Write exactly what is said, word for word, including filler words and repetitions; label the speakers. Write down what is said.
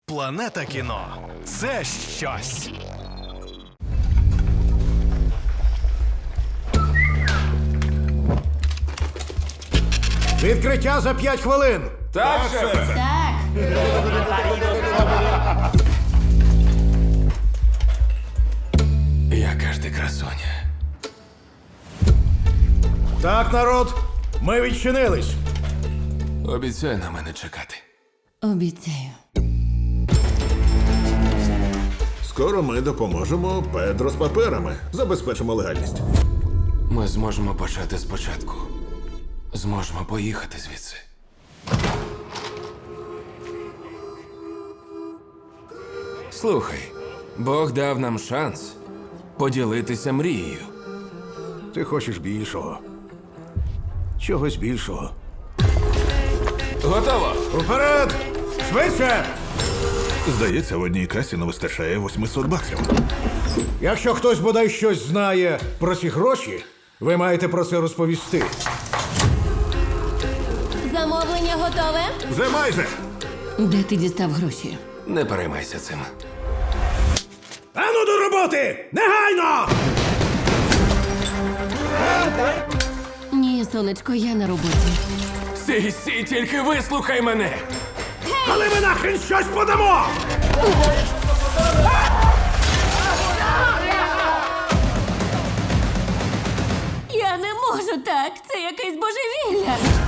Speaker 1: Планета кіно – це щось.
Speaker 2: Відкриття за п'ять хвилин.
Speaker 3: Так, шефе.
Speaker 4: Так.
Speaker 3: Яка ж ти красуня.
Speaker 2: Так, народ, ми відчинились.
Speaker 3: Обіцяй на мене чекати.
Speaker 4: Обіцяю.
Speaker 5: Скоро ми допоможемо Педро з паперами. Забезпечимо легальність.
Speaker 3: Ми зможемо почати спочатку. Зможемо поїхати звідси. Слухай, Бог дав нам шанс поділитися мрією.
Speaker 2: Ти хочеш більшого. Чогось більшого.
Speaker 3: Готово!
Speaker 2: Уперед! Швидше!
Speaker 5: Здається, в одній касі не вистачає восьмисот баксів.
Speaker 2: Якщо хтось бодай щось знає про ці гроші, ви маєте про це розповісти.
Speaker 4: Замовлення готове?
Speaker 5: Вже майже.
Speaker 4: Де ти дістав гроші?
Speaker 3: Не переймайся цим.
Speaker 2: Ану до роботи! Негайно!
Speaker 4: Ні, сонечко, я на роботі.
Speaker 3: Сій, сій, тільки вислухай мене!
Speaker 2: Але ми нахрен щось подамо!
Speaker 4: Я не можу так. Це якесь божевілля.